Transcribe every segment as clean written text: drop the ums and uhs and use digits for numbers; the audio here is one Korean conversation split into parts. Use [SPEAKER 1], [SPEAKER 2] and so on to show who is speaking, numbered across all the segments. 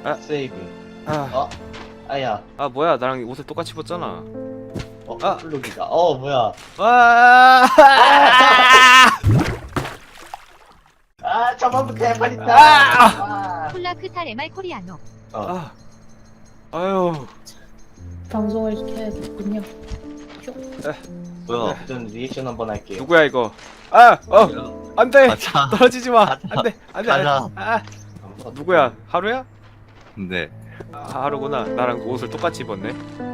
[SPEAKER 1] 세이브.
[SPEAKER 2] 아,
[SPEAKER 1] 아야.
[SPEAKER 2] 아 뭐야 나랑 옷을 똑같이 입었잖아.
[SPEAKER 1] 플룩이다. 뭐야.
[SPEAKER 2] 아,
[SPEAKER 1] 저번부터 해버린다.
[SPEAKER 3] 콜라크탈 MR 코리아노.
[SPEAKER 2] 아유.
[SPEAKER 4] 방송을 켜야겠군요.
[SPEAKER 1] 뭐야. 전 리액션 한번 할게요.
[SPEAKER 2] 누구야 이거? 안돼.
[SPEAKER 5] 가자.
[SPEAKER 2] 떨어지지 마.
[SPEAKER 5] 가자.
[SPEAKER 2] 안돼. 안돼.
[SPEAKER 5] 가자.
[SPEAKER 2] 누구야? 하루야?
[SPEAKER 5] 네.
[SPEAKER 2] 하루구나. 나랑 옷을 똑같이 입었네.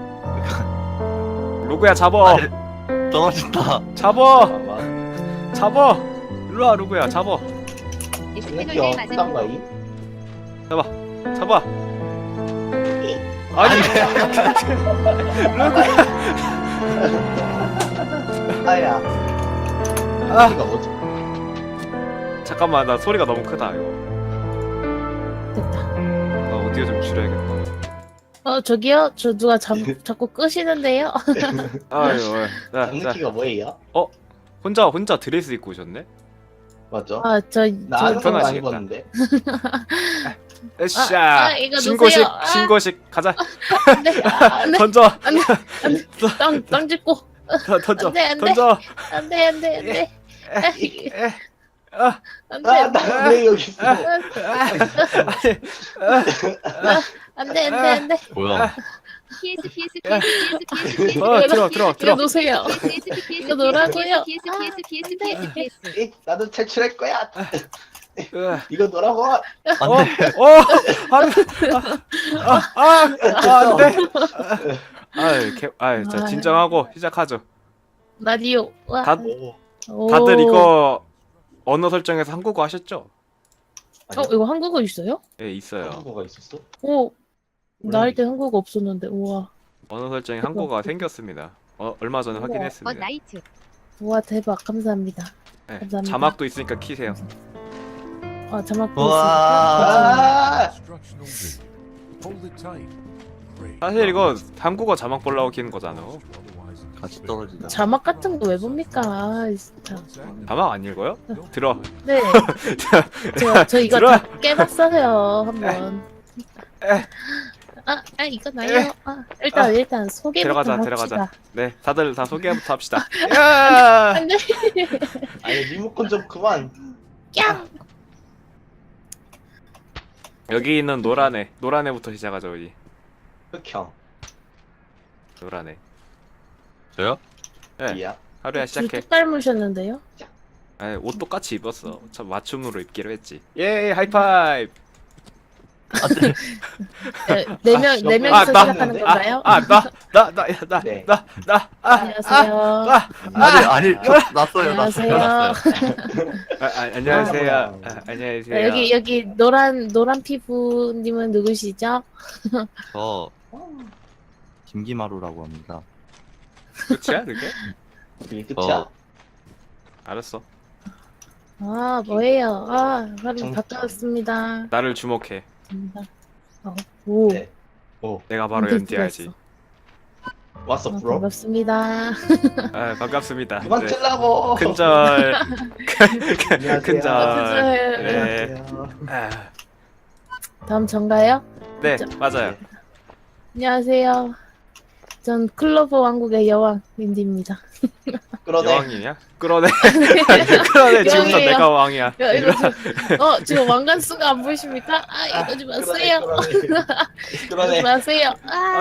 [SPEAKER 2] 루그야 잡어.
[SPEAKER 5] 떨어진다.
[SPEAKER 2] 잡어.
[SPEAKER 1] 잠깐만.
[SPEAKER 2] 잡어. 일로와 루그야 잡어.
[SPEAKER 3] 에스페놀
[SPEAKER 1] 이거
[SPEAKER 3] 맞은
[SPEAKER 1] 부담가이?
[SPEAKER 2] 잡아. 아니. 루그야.
[SPEAKER 1] 아야.
[SPEAKER 2] 아.
[SPEAKER 1] 이거 뭐지?
[SPEAKER 2] 잠깐만 나 소리가 너무 크다 이거.
[SPEAKER 4] 됐다.
[SPEAKER 2] 나 오디오 좀 줄여야겠다.
[SPEAKER 4] 저기요? 저 누가 자꾸 끄시는데요?
[SPEAKER 2] 아유. 자,
[SPEAKER 1] 장르키가 뭐예요?
[SPEAKER 2] 혼자 드레스 입고 오셨네?
[SPEAKER 1] 맞죠?
[SPEAKER 4] 저
[SPEAKER 1] 나는 그런 거안
[SPEAKER 2] 편하시겠다.
[SPEAKER 1] 입었는데.
[SPEAKER 2] 으쌰.
[SPEAKER 4] 이거
[SPEAKER 2] 신고식
[SPEAKER 4] 놓으세요.
[SPEAKER 2] 신고식 가자.
[SPEAKER 4] 안 돼, 안 돼,
[SPEAKER 2] 던져.
[SPEAKER 4] 안 돼, 땅 짚고.
[SPEAKER 2] 던져.
[SPEAKER 4] 안 돼, 안 돼.
[SPEAKER 2] 던져.
[SPEAKER 4] 안 돼, 안 돼, 안 돼. 안 돼, 안 돼,
[SPEAKER 1] 나 왜 여기 있어?
[SPEAKER 4] 안 돼, 안 돼.
[SPEAKER 5] 뭐야?
[SPEAKER 3] PS
[SPEAKER 2] 들어.
[SPEAKER 4] 이거 놓으세요. 이거 놓으라고요.
[SPEAKER 1] 나도 탈출할 거야.
[SPEAKER 2] 으아.
[SPEAKER 1] 이거 놓으라고.
[SPEAKER 5] 안 돼.
[SPEAKER 2] 하루. 안 돼. 자, 진정하고 시작하죠.
[SPEAKER 4] 라디오. 와. 오.
[SPEAKER 2] 다들 이거 언어 설정에서 한국어 하셨죠?
[SPEAKER 4] 이거 한국어 있어요?
[SPEAKER 2] 예, 있어요.
[SPEAKER 1] 한국어가 있었어?
[SPEAKER 4] 오. 나 할 때 한국어 없었는데. 우와.
[SPEAKER 2] 언어 설정에 한국어가 생겼습니다. 얼마 전에 확인했습니다.
[SPEAKER 3] 나이트.
[SPEAKER 4] 우와, 대박. 감사합니다.
[SPEAKER 2] 네,
[SPEAKER 4] 감사합니다.
[SPEAKER 2] 자막도 있으니까 키세요.
[SPEAKER 4] 자막
[SPEAKER 5] 우와.
[SPEAKER 2] 사실 이거 한국어 자막 보려고 키는 거잖아.
[SPEAKER 5] 같이 떨어지자.
[SPEAKER 4] 자막 같은 거 왜 봅니까? 진짜.
[SPEAKER 2] 자막 안 읽어요? 들어.
[SPEAKER 4] 네. 저 이거
[SPEAKER 2] 들어.
[SPEAKER 4] 다 깨봤어요. 한번. 이거 나요. 일단 소개부터
[SPEAKER 2] 들어가자.
[SPEAKER 4] 합시다.
[SPEAKER 2] 네, 다들 다 소개부터 합시다. 야!
[SPEAKER 4] 안 돼.
[SPEAKER 1] 아니 리모컨 좀 그만.
[SPEAKER 4] 야.
[SPEAKER 2] 여기 있는 노란애부터 시작하자 우리.
[SPEAKER 1] 흑형.
[SPEAKER 2] 노란애.
[SPEAKER 5] 저요?
[SPEAKER 2] 네,
[SPEAKER 1] 이야.
[SPEAKER 2] 하루야 시작해.
[SPEAKER 4] 뚝 닮으셨는데요?
[SPEAKER 2] 옷 똑같이 입었어. 참 맞춤으로 입기로 했지. 예, 하이파이브.
[SPEAKER 4] 네 명이서
[SPEAKER 1] 나
[SPEAKER 4] 시작하는
[SPEAKER 1] 했는데?
[SPEAKER 4] 건가요?
[SPEAKER 1] 네.
[SPEAKER 4] 안녕하세요.
[SPEAKER 5] 아니, 났어요.
[SPEAKER 4] 안녕하세요.
[SPEAKER 2] 안녕하세요. 안녕하세요.
[SPEAKER 4] 여기 노란 피부님은 누구시죠?
[SPEAKER 5] 저 김기마루라고 합니다.
[SPEAKER 2] 끝이야, 그게?
[SPEAKER 1] 이게 끝이야.
[SPEAKER 2] 알았어.
[SPEAKER 4] 뭐예요? 바로
[SPEAKER 1] 정-
[SPEAKER 4] 바뀌었습니다.
[SPEAKER 2] 나를 주목해.
[SPEAKER 4] 오.
[SPEAKER 1] 네.
[SPEAKER 2] 내가 바로 연디야지.
[SPEAKER 1] 왔어 브로.
[SPEAKER 4] 반갑습니다.
[SPEAKER 2] 반갑습니다.
[SPEAKER 1] 그만
[SPEAKER 2] 네.
[SPEAKER 1] 틀라고.
[SPEAKER 2] 큰절.
[SPEAKER 1] 안녕하세요.
[SPEAKER 2] 큰절. 네.
[SPEAKER 1] 안녕하세요.
[SPEAKER 4] 다음 전가요?
[SPEAKER 2] 네, 맞아요.
[SPEAKER 4] 안녕하세요. 전 클로버 왕국의 여왕 윈디입니다.
[SPEAKER 1] 끌어내.
[SPEAKER 2] 여왕이냐? 끌어내. 끌어내. 지금부터
[SPEAKER 4] 여왕이에요.
[SPEAKER 2] 내가 왕이야.
[SPEAKER 4] 지금 왕관수가 안 보이십니까? 이러지 마세요.
[SPEAKER 1] 끌어내.
[SPEAKER 4] 이러지 마세요.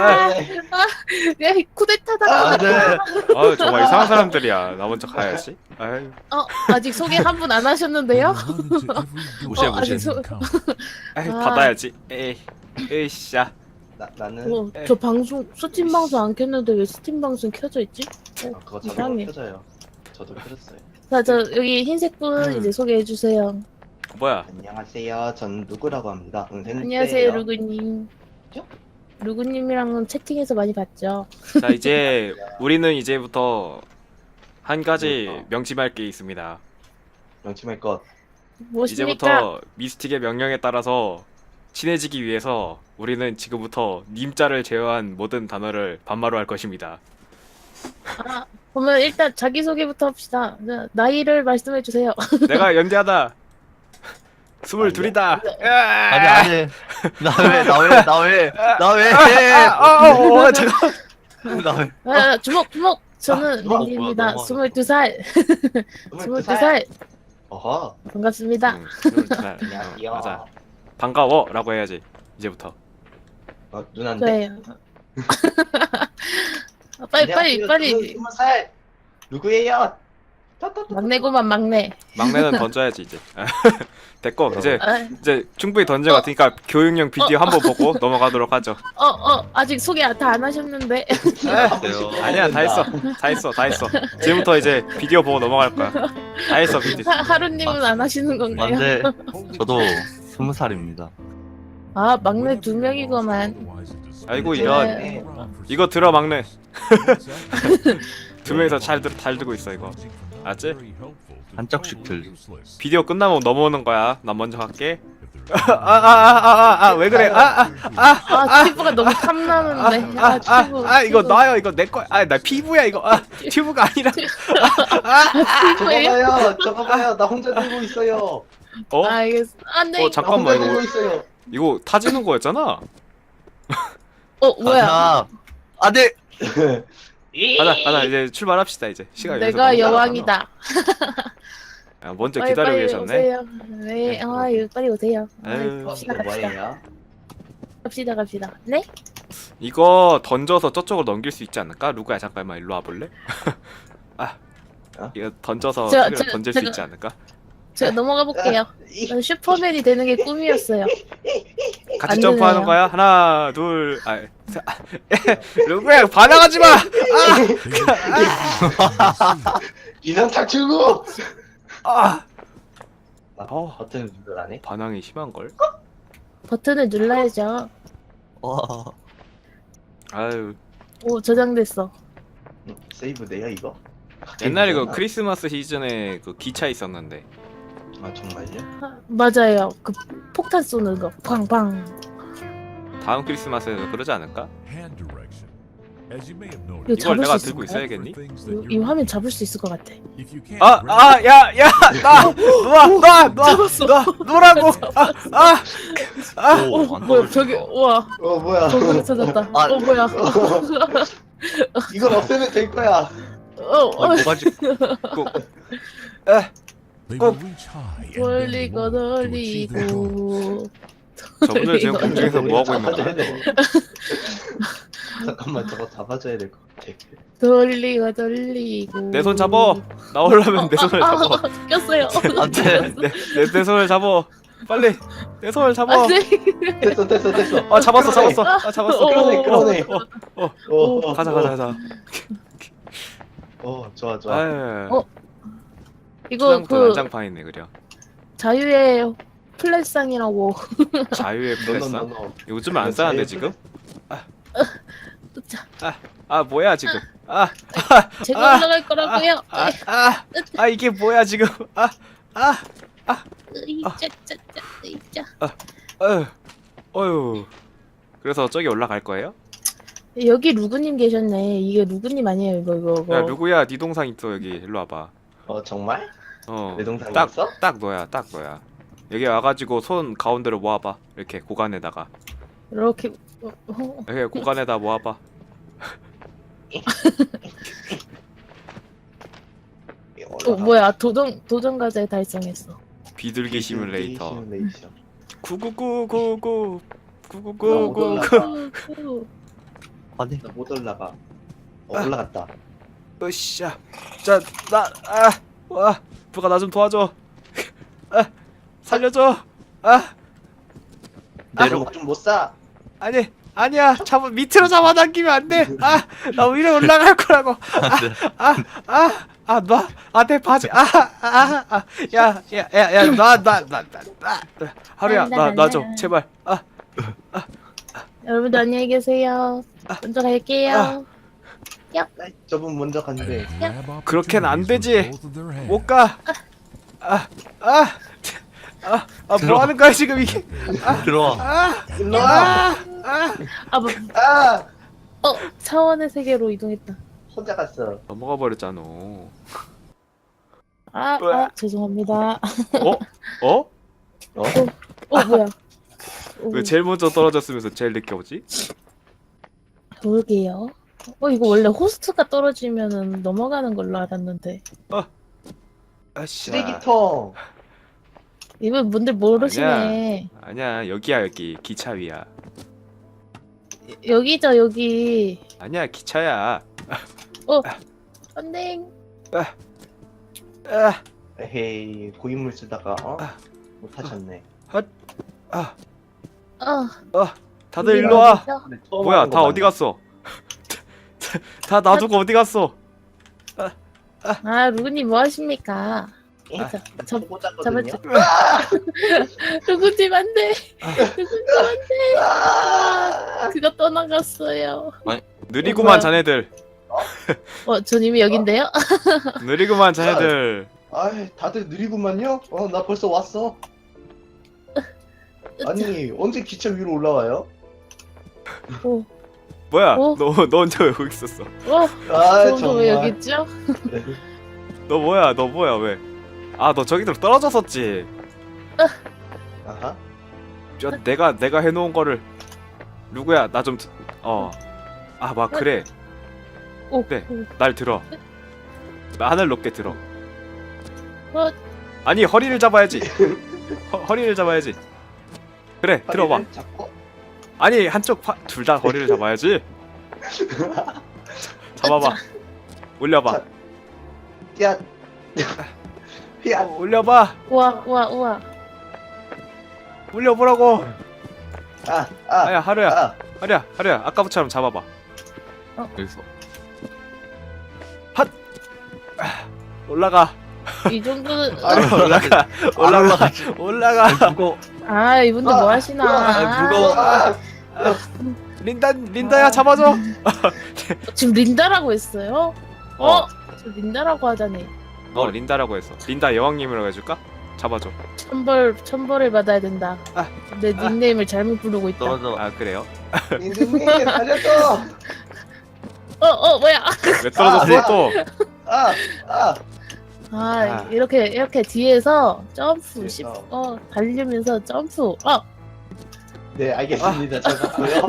[SPEAKER 4] 쿠데타다.
[SPEAKER 5] 안 돼.
[SPEAKER 2] 정말 이상한 사람들이야. 나 먼저 가야지. 아유.
[SPEAKER 4] 아직 소개 한 분 안 하셨는데요?
[SPEAKER 5] 무시해,
[SPEAKER 4] 아직
[SPEAKER 5] 무시해.
[SPEAKER 2] 받아야지. 에이씨야.
[SPEAKER 1] 나는
[SPEAKER 4] 저 방송 스팀 방송 안 켰는데 왜 스팀 방송 켜져 있지?
[SPEAKER 1] 그거
[SPEAKER 4] 이상해.
[SPEAKER 1] 자동으로 켜져요. 저도 켜졌어요.
[SPEAKER 4] 자, 여기 흰색 분 이제 소개해 주세요.
[SPEAKER 2] 뭐야?
[SPEAKER 1] 안녕하세요. 전 누구라고 합니다.
[SPEAKER 4] 안녕하세요, 루그님. 루그님이랑은 채팅에서 많이 봤죠.
[SPEAKER 2] 자, 이제 우리는 이제부터 한 가지 명심할 게 있습니다.
[SPEAKER 1] 명심할 것.
[SPEAKER 4] 무엇입니까?
[SPEAKER 2] 이제부터 미스틱의 명령에 따라서 친해지기 위해서 우리는 지금부터 님자를 제외한 모든 단어를 반말로 할 것입니다.
[SPEAKER 4] 그러면 일단 자기소개부터 합시다. 나이를 말씀해 주세요.
[SPEAKER 2] 내가 연기하다. 22이다.
[SPEAKER 5] 아니 아니. 나왜나왜나왜나왜
[SPEAKER 2] 잠깐.
[SPEAKER 5] 나 왜?
[SPEAKER 4] 아, 주먹 주먹. 저는
[SPEAKER 5] 뭐야,
[SPEAKER 4] 린디입니다.
[SPEAKER 5] 뭐야,
[SPEAKER 4] 22살. 22살.
[SPEAKER 1] 어허.
[SPEAKER 4] 반갑습니다.
[SPEAKER 2] 22살.
[SPEAKER 1] 안녕하세요.
[SPEAKER 2] 맞아. 반가워라고 해야지. 이제부터.
[SPEAKER 1] 누난데.
[SPEAKER 4] 좋아요. 빨리.
[SPEAKER 1] 20살. 누구예요?
[SPEAKER 4] 막내고만 막내.
[SPEAKER 2] 막내는 던져야지 이제. 됐고 이제
[SPEAKER 4] 아,
[SPEAKER 2] 충분히 던진 것 같으니까 교육용 비디오 한번 보고 넘어가도록 하죠.
[SPEAKER 4] 아직 소개 다 안 하셨는데.
[SPEAKER 2] 아니야 다 했어. 지금부터 이제 비디오 보고 넘어갈 거야. 다 했어 비디오.
[SPEAKER 4] 하루님은 안 하시는 건가요?
[SPEAKER 5] 안돼. 저도 20살입니다.
[SPEAKER 4] 아, 막내 2명이구만.
[SPEAKER 2] 아이고 이런.
[SPEAKER 4] 네.
[SPEAKER 2] 이거 들어 막내. 두 명이서 잘 들고 있어 이거. 알았지?
[SPEAKER 5] 한 짝씩 들.
[SPEAKER 2] 비디오 끝나면 넘어오는 거야. 난 먼저 갈게. 왜 그래?
[SPEAKER 4] 피부가 너무 탐나는데. 피부.
[SPEAKER 2] 이거 놔요. 이거 내 거야. 나 피부야 이거. 튜브가 아니라.
[SPEAKER 4] 피부예요?
[SPEAKER 1] 저거 봐요. 나 혼자 들고 있어요.
[SPEAKER 2] 어?
[SPEAKER 4] 알겠어. 안 돼.
[SPEAKER 1] 나
[SPEAKER 2] 잠깐만
[SPEAKER 1] 혼자 들고
[SPEAKER 2] 이거
[SPEAKER 1] 있어요.
[SPEAKER 2] 이거 타지는 거였잖아.
[SPEAKER 4] 뭐야?
[SPEAKER 5] 안돼.
[SPEAKER 2] 가자 이제 출발합시다 이제. 시간
[SPEAKER 4] 내가 여왕이다.
[SPEAKER 2] 먼저 기다리고 계셨네.
[SPEAKER 4] 오세요. 네, 빨리 오세요.
[SPEAKER 2] 아유,
[SPEAKER 4] 갑시다.
[SPEAKER 1] 뭐예요?
[SPEAKER 4] 갑시다. 네?
[SPEAKER 2] 이거 던져서 저쪽으로 넘길 수 있지 않을까? 루가야 잠깐만 일로 와볼래? 이거 던져서
[SPEAKER 4] 제가-
[SPEAKER 2] 던질 수
[SPEAKER 4] 제가-
[SPEAKER 2] 있지 않을까?
[SPEAKER 4] 제가 넘어가 볼게요. 저는 슈퍼맨이 되는 게 꿈이었어요.
[SPEAKER 2] 같이
[SPEAKER 4] 안
[SPEAKER 2] 점프하는
[SPEAKER 4] 되네요.
[SPEAKER 2] 거야? 하나 둘 루가야 반항하지 마!
[SPEAKER 1] 이상 탈출구.
[SPEAKER 2] 아!
[SPEAKER 1] 버튼 누르라네.
[SPEAKER 2] 반항이 심한걸?
[SPEAKER 4] 버튼을 눌러야죠.
[SPEAKER 5] 와.
[SPEAKER 2] 아유
[SPEAKER 4] 오, 저장됐어.
[SPEAKER 1] 세이브돼요 이거?
[SPEAKER 2] 옛날에 그 크리스마스 시즌에 그 기차 있었는데
[SPEAKER 1] 아 정말요?
[SPEAKER 4] 맞아요. 그 폭탄 쏘는 거. 팡팡.
[SPEAKER 2] 다음 크리스마스에도 그러지 않을까?
[SPEAKER 4] 이거
[SPEAKER 2] 이걸
[SPEAKER 4] 잡을
[SPEAKER 2] 내가
[SPEAKER 4] 수
[SPEAKER 2] 들고
[SPEAKER 4] 있을까요?
[SPEAKER 2] 있어야겠니?
[SPEAKER 4] 이 화면 잡을 수 있을 것 같아.
[SPEAKER 2] 놓으라고!
[SPEAKER 5] 오, 안
[SPEAKER 4] 뭐야,
[SPEAKER 5] 떨어져.
[SPEAKER 4] 저기, 우와.
[SPEAKER 1] 뭐야?
[SPEAKER 4] 저기 찾았다.
[SPEAKER 5] 아.
[SPEAKER 4] 뭐야.
[SPEAKER 1] 이걸 없애면 될 거야.
[SPEAKER 5] 뭐가지?
[SPEAKER 4] 돌리고 돌리고.
[SPEAKER 2] 저분들 지금 공중에서 뭐 하고 있는 거야?
[SPEAKER 1] 잡아줘야 돼. 잠깐만 저거 잡아줘야 될 것 같아.
[SPEAKER 4] 돌리고 돌리고.
[SPEAKER 2] 내 손 잡어! 나오려면 내 손을 잡어.
[SPEAKER 4] 꼈어요.
[SPEAKER 5] 안돼.
[SPEAKER 2] 내 손을 잡어. 빨리 내 손을 잡어.
[SPEAKER 1] 됐어.
[SPEAKER 2] 잡았어. 잡았어.
[SPEAKER 1] 끌어내.
[SPEAKER 2] 가자.
[SPEAKER 1] 좋아.
[SPEAKER 2] 아유.
[SPEAKER 4] 이거
[SPEAKER 2] 초장부터
[SPEAKER 4] 그
[SPEAKER 2] 난장판 있네 그려.
[SPEAKER 4] 자유의 플랫상이라고.
[SPEAKER 2] 자유의 플랫상.
[SPEAKER 1] 너너너너.
[SPEAKER 2] 요즘 안 싸는데 지금?
[SPEAKER 4] 자,
[SPEAKER 2] 뭐야 지금?
[SPEAKER 4] 제가 올라갈 거라고요.
[SPEAKER 2] 이게 뭐야 지금?
[SPEAKER 4] 으이짜.
[SPEAKER 2] 어휴. 그래서 저기 올라갈 거예요?
[SPEAKER 4] 여기 루그님 계셨네. 이게 루그님 아니에요, 이거.
[SPEAKER 2] 야 누구야? 네 동상 있어 여기. 일로 와봐.
[SPEAKER 1] 정말? 내 동상이
[SPEAKER 2] 딱,
[SPEAKER 1] 있어?
[SPEAKER 2] 딱 너야. 여기 와가지고 손 가운데로 모아봐. 이렇게 고관에다가.
[SPEAKER 4] 이렇게.
[SPEAKER 2] 여기 고관에다 모아봐.
[SPEAKER 4] 뭐야? 도전 과제 달성했어.
[SPEAKER 2] 비둘기 시뮬레이터.
[SPEAKER 1] 시뮬레이션.
[SPEAKER 2] 99999
[SPEAKER 5] 아니.
[SPEAKER 1] 나 못 올라가. 올라갔다.
[SPEAKER 2] 으쌰. 자, 와, 부가 나 좀 도와줘. 살려줘.
[SPEAKER 1] 내려 좀못 사.
[SPEAKER 2] 아니야. 밑으로 잡아당기면 안 돼. 나 위로 올라갈 거라고. 내 바지. 야, 하루야, 나 좀, 제발.
[SPEAKER 4] 여러분들 안녕히 계세요. 먼저 갈게요.
[SPEAKER 1] 저분 먼저 간대.
[SPEAKER 2] 그렇게는 안 되지. 못 가. 뭐 하는 거야 지금 이게?
[SPEAKER 5] 들어와.
[SPEAKER 1] 일로와.
[SPEAKER 4] 차원의 세계로 이동했다.
[SPEAKER 1] 혼자 갔어.
[SPEAKER 2] 넘어가 버렸잖아.
[SPEAKER 4] 죄송합니다.
[SPEAKER 2] 어?
[SPEAKER 4] 뭐야?
[SPEAKER 2] 왜 제일 먼저 떨어졌으면서 제일 늦게 오지?
[SPEAKER 4] 그러게요. 이거 원래 호스트가 떨어지면은 넘어가는 걸로 알았는데.
[SPEAKER 2] 아씨.
[SPEAKER 1] 쓰레기통.
[SPEAKER 4] 이분 분들 모르시네.
[SPEAKER 2] 아니야 여기야 여기 기차 위야.
[SPEAKER 4] 여기죠 여기.
[SPEAKER 2] 아니야 기차야.
[SPEAKER 4] 안돼.
[SPEAKER 2] 아,
[SPEAKER 1] 에헤이 고인물 쓰다가 못하셨네.
[SPEAKER 2] 다들 일로 와.
[SPEAKER 4] 어디죠?
[SPEAKER 1] 근데 처음
[SPEAKER 2] 뭐야
[SPEAKER 1] 하는
[SPEAKER 2] 다
[SPEAKER 1] 거
[SPEAKER 2] 어디 갔어? 다 놔두고 어디 갔어?
[SPEAKER 4] 루그님 뭐 하십니까?
[SPEAKER 1] 맞네.
[SPEAKER 4] 저-
[SPEAKER 1] 꽂았거든요.
[SPEAKER 4] 루그님 안돼. 루그님 안돼. 그거 떠나갔어요.
[SPEAKER 2] 느리구만
[SPEAKER 4] 뭐야?
[SPEAKER 2] 자네들.
[SPEAKER 4] 전 이미 여긴데요?
[SPEAKER 2] 느리구만 자네들.
[SPEAKER 1] 아이 다들 느리구만요. 나 벌써 왔어. 아니 언제 기차 위로 올라와요?
[SPEAKER 2] 뭐야?
[SPEAKER 4] 어?
[SPEAKER 2] 너 언제 왜 여기 있었어?
[SPEAKER 1] 아
[SPEAKER 4] 저도
[SPEAKER 1] 정말.
[SPEAKER 4] 왜 여기 있죠?
[SPEAKER 2] 너 뭐야 왜? 아 너 저기로 떨어졌었지.
[SPEAKER 1] 아하.
[SPEAKER 2] 내가 해놓은 거를 누구야 나 좀 막 그래 네. 날 들어. 나 하늘 높게 들어. 아니 허리를 잡아야지. 허리를 잡아야지. 그래 들어봐.
[SPEAKER 1] 허리를 잡고.
[SPEAKER 2] 아니 한쪽 둘 다 허리를 잡아야지. 잡아봐. 올려봐.
[SPEAKER 1] 야. 야.
[SPEAKER 2] 올려봐.
[SPEAKER 4] 우와.
[SPEAKER 2] 올려보라고. 아야 하루야.
[SPEAKER 1] 아.
[SPEAKER 2] 하루야 아까부처럼 잡아봐. 여기서 핫 올라가.
[SPEAKER 4] 이 정도는
[SPEAKER 2] 올라가.
[SPEAKER 5] 무거.
[SPEAKER 4] 이분들 뭐 하시나?
[SPEAKER 5] 무거워.
[SPEAKER 2] 린다야 잡아줘.
[SPEAKER 4] 지금 린다라고 했어요?
[SPEAKER 2] 어.
[SPEAKER 4] 저 린다라고 하다니.
[SPEAKER 2] 린다라고 했어. 린다 여왕님이라고 해줄까? 잡아줘.
[SPEAKER 4] 천벌을 받아야 된다. 내 닉네임을 잘못 부르고 있다.
[SPEAKER 5] 떨어져.
[SPEAKER 2] 아 그래요?
[SPEAKER 1] 민준님 살렸어.
[SPEAKER 4] 뭐야?
[SPEAKER 2] 왜 떨어졌어 또?
[SPEAKER 4] 이렇게 뒤에서 점프
[SPEAKER 1] 뒤에서.
[SPEAKER 4] 달리면서 점프.
[SPEAKER 1] 네 알겠습니다. 잘 봤고요.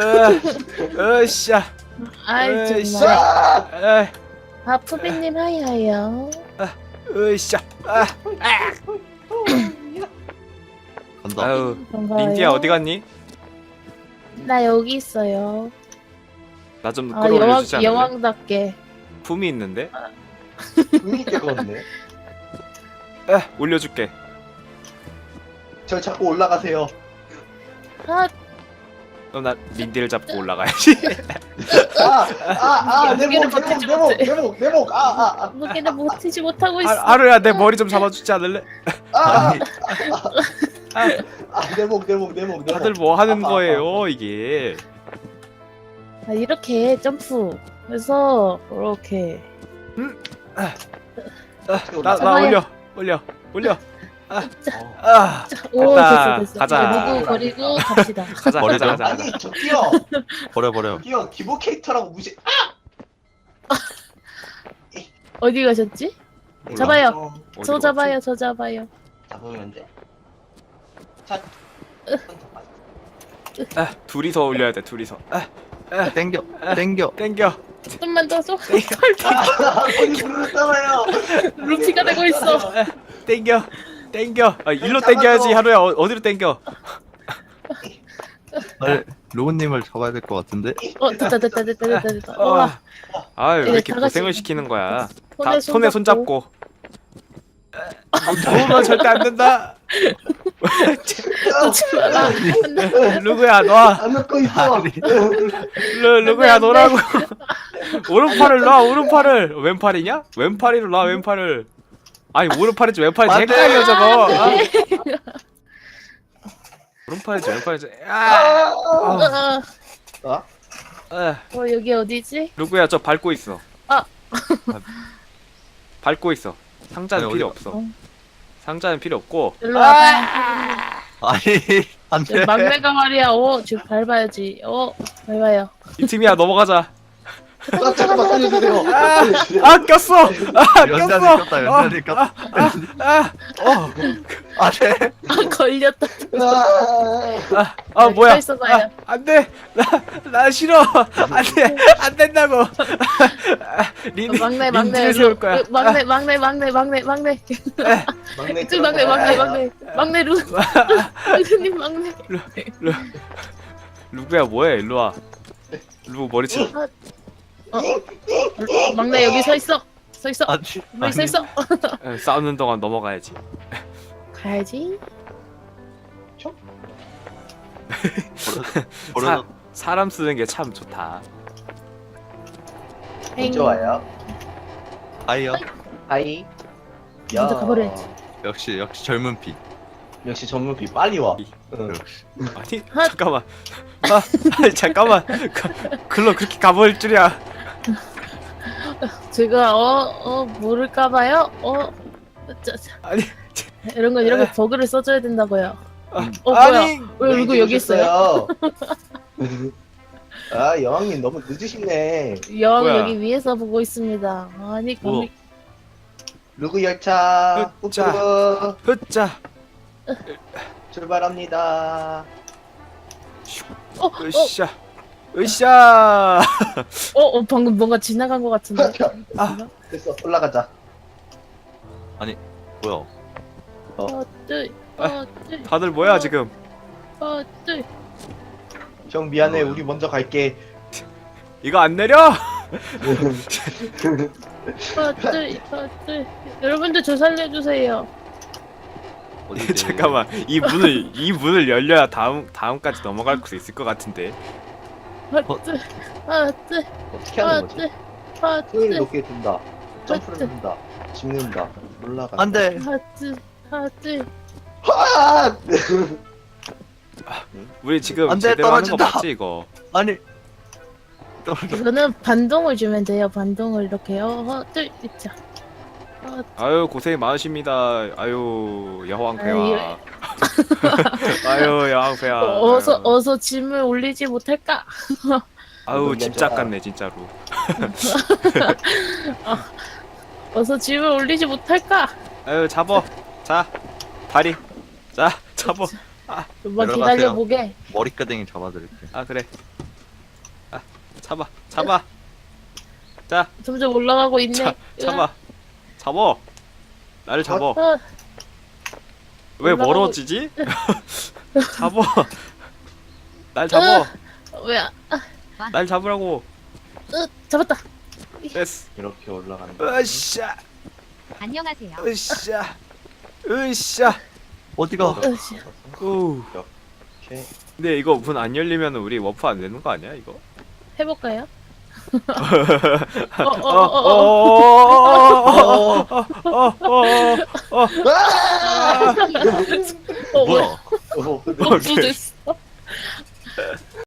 [SPEAKER 2] 으쌰.
[SPEAKER 4] 정말. 푸비님 하이하이요.
[SPEAKER 2] 으쌰.
[SPEAKER 5] 간다.
[SPEAKER 2] 아유
[SPEAKER 4] 반가워요.
[SPEAKER 2] 린디야 어디 갔니?
[SPEAKER 4] 나 여기 있어요.
[SPEAKER 2] 나 좀 끌어올려주지 않을래?
[SPEAKER 4] 여왕답게.
[SPEAKER 2] 품이 있는데?
[SPEAKER 1] 의미 있게 걷네.
[SPEAKER 2] 올려줄게.
[SPEAKER 1] 저 자꾸 올라가세요.
[SPEAKER 2] 그럼 나 린디를 잡고 올라가야지.
[SPEAKER 1] 내목.
[SPEAKER 4] 무게를 버티지 못하고 있어.
[SPEAKER 2] 하루야 내 머리 좀 잡아주지 않을래?
[SPEAKER 1] 내목.
[SPEAKER 2] 다들 뭐 하는 거예요 이게?
[SPEAKER 4] 이렇게 점프. 그래서 이렇게.
[SPEAKER 2] 나
[SPEAKER 4] 잡아요.
[SPEAKER 2] 올려.
[SPEAKER 4] 오
[SPEAKER 2] 됐다.
[SPEAKER 4] 됐어.
[SPEAKER 2] 가자.
[SPEAKER 4] 누구 버리고 갑시다.
[SPEAKER 2] 가자.
[SPEAKER 1] 아니 저기요.
[SPEAKER 5] 버려.
[SPEAKER 1] 저기요 기본 캐릭터라고 무시.
[SPEAKER 4] 어디 가셨지?
[SPEAKER 2] 몰라.
[SPEAKER 4] 잡아요.
[SPEAKER 2] 어디로
[SPEAKER 4] 저
[SPEAKER 2] 갔지?
[SPEAKER 4] 잡아요. 저 잡아요.
[SPEAKER 1] 잡으면 돼. 자.
[SPEAKER 2] 둘이서 올려야 돼. 둘이서.
[SPEAKER 5] 땡겨.
[SPEAKER 2] 땡겨.
[SPEAKER 4] 좀만 더 줘.
[SPEAKER 1] 거기 부르잖아요.
[SPEAKER 4] 루피가 되고 있어.
[SPEAKER 2] 땡겨. 일로 땡겨야지 하루야. 어디로 땡겨?
[SPEAKER 5] 로우님을 잡아야 될 것 같은데.
[SPEAKER 4] 됐다. 와,
[SPEAKER 2] 아유 왜 이렇게
[SPEAKER 4] 다 같이
[SPEAKER 2] 고생을 시키는 거야?
[SPEAKER 4] 손에
[SPEAKER 2] 손 잡고. 도우면 절대 안 된다.
[SPEAKER 4] 놓지 마라.
[SPEAKER 2] 누구야 놔.
[SPEAKER 1] 안 넣고 있어.
[SPEAKER 2] 누구야 놓으라고. 오른팔을 놔. 오른팔을. 왼팔이냐? 왼팔이로 놔. 왼팔을. 아니 오른팔이지 왼팔이지
[SPEAKER 5] 안 돼.
[SPEAKER 2] 헷갈려 저거. 오른팔이지 왼팔이지.
[SPEAKER 4] 여기 어디지?
[SPEAKER 2] 누구야 저 밟고 있어.
[SPEAKER 4] 아.
[SPEAKER 2] 밟고 있어. 상자는
[SPEAKER 5] 아니,
[SPEAKER 2] 필요
[SPEAKER 5] 어디가?
[SPEAKER 2] 없어. 상자는 필요 없고.
[SPEAKER 4] 일로 와봐.
[SPEAKER 5] 아니 안돼.
[SPEAKER 4] 막내가 말이야. 지금 밟아야지. 밟아요.
[SPEAKER 2] 이 팀이야 넘어가자.
[SPEAKER 1] 잠깐만 살려주세요. 살려주세요.
[SPEAKER 2] 아 꼈어. 아
[SPEAKER 5] 연단이
[SPEAKER 2] 꼈어.
[SPEAKER 5] 꼈다, 연단이 꼈다. 아, 네.
[SPEAKER 4] 아, 걸렸다.
[SPEAKER 1] 아,
[SPEAKER 2] 뭐야?
[SPEAKER 4] 서 있어봐요.
[SPEAKER 2] 안돼. 나 싫어. 안돼. 안 된다고. 린지를 세울 거야.
[SPEAKER 4] 막내.
[SPEAKER 1] 막내
[SPEAKER 4] 이쪽 막내 루루님 막내.
[SPEAKER 2] 루그야 뭐해? 일로 와. 루그 머리 치.
[SPEAKER 4] 막내 여기 서 있어.
[SPEAKER 5] 아니,
[SPEAKER 4] 여기 서 있어.
[SPEAKER 2] 싸우는 동안 넘어가야지.
[SPEAKER 4] 가야지.
[SPEAKER 5] 버려.
[SPEAKER 2] 사람 쓰는 게 참 좋다.
[SPEAKER 1] 좋아요.
[SPEAKER 5] 아이요.
[SPEAKER 1] 하이.
[SPEAKER 4] 먼저 가버려야지.
[SPEAKER 5] 역시 젊은 피.
[SPEAKER 1] 역시 전문비 빨리 와. 응.
[SPEAKER 5] 역시.
[SPEAKER 2] 아니 잠깐만. 아니 잠깐만. 글로 그렇게 가버릴 줄이야.
[SPEAKER 4] 제가 모를까봐요.
[SPEAKER 2] 아니.
[SPEAKER 4] 이런 건 버그를 써줘야 된다고요.
[SPEAKER 2] 아니.
[SPEAKER 4] 뭐야? 왜 누구 여기 있어요?
[SPEAKER 1] 아 여왕님 너무 늦으시네.
[SPEAKER 4] 여왕
[SPEAKER 2] 뭐야?
[SPEAKER 4] 여기 위에서 보고 있습니다. 아니
[SPEAKER 5] 뭐?
[SPEAKER 1] 루그 열차
[SPEAKER 2] 자.
[SPEAKER 1] 뿌뿌
[SPEAKER 2] 흐짜.
[SPEAKER 1] 출발합니다.
[SPEAKER 2] 으쌰. 으쌰.
[SPEAKER 4] 방금 뭔가 지나간 것 같은데.
[SPEAKER 1] 됐어 올라가자.
[SPEAKER 5] 뭐야?
[SPEAKER 2] 다들 뭐야 지금?
[SPEAKER 1] 형 미안해 우리 먼저 갈게.
[SPEAKER 2] 이거 안 내려?
[SPEAKER 4] 여러분들 저 살려주세요.
[SPEAKER 5] 어디
[SPEAKER 2] 잠깐만. 이 문을 열려야 다음까지 넘어갈 수 있을 것 같은데.
[SPEAKER 1] 어떻게 하는 거지? 손을 높게 든다. 점프를 든다. 짚는다. 올라가.
[SPEAKER 5] 안 돼.
[SPEAKER 1] 아!
[SPEAKER 2] 우리 지금
[SPEAKER 5] 안 돼,
[SPEAKER 2] 제대로 하는 거
[SPEAKER 5] 떨어진다.
[SPEAKER 2] 맞지 이거?
[SPEAKER 5] 아니.
[SPEAKER 4] 이거는 반동을 주면 돼요. 반동을 이렇게요. 자.
[SPEAKER 2] 아유 고생 많으십니다. 아유
[SPEAKER 4] 아유,
[SPEAKER 2] 여왕폐하. 아유 여왕폐하.
[SPEAKER 4] 어서 짐을 올리지 못할까?
[SPEAKER 2] 아유 집착 같네 진짜로.
[SPEAKER 4] 어서 짐을 올리지 못할까?
[SPEAKER 2] 아유 잡어. 자 다리. 자 잡어.
[SPEAKER 4] 좀만
[SPEAKER 5] 내려가세요.
[SPEAKER 4] 기다려보게.
[SPEAKER 5] 머리끄댕이 잡아드릴게.
[SPEAKER 2] 아 그래. 잡아. 자
[SPEAKER 4] 점점 올라가고 있네.
[SPEAKER 2] 잡아. 잡어. 나를 잡어. 왜
[SPEAKER 4] 올라가고-
[SPEAKER 2] 멀어지지? 잡어. 날 잡어.
[SPEAKER 4] 왜?
[SPEAKER 2] 날 잡으라고.
[SPEAKER 4] 잡았다.
[SPEAKER 2] 됐어.
[SPEAKER 1] 이렇게 올라간다.
[SPEAKER 2] 으쌰.
[SPEAKER 3] 안녕하세요.
[SPEAKER 2] 으쌰.
[SPEAKER 5] 어디가?
[SPEAKER 2] 오.
[SPEAKER 1] 이렇게.
[SPEAKER 2] 근데 이거 문 안 열리면 우리 워프 안 되는 거 아니야 이거?
[SPEAKER 4] 해볼까요?
[SPEAKER 1] 아!
[SPEAKER 5] 뭐야?
[SPEAKER 1] 어,
[SPEAKER 4] 복수 됐어.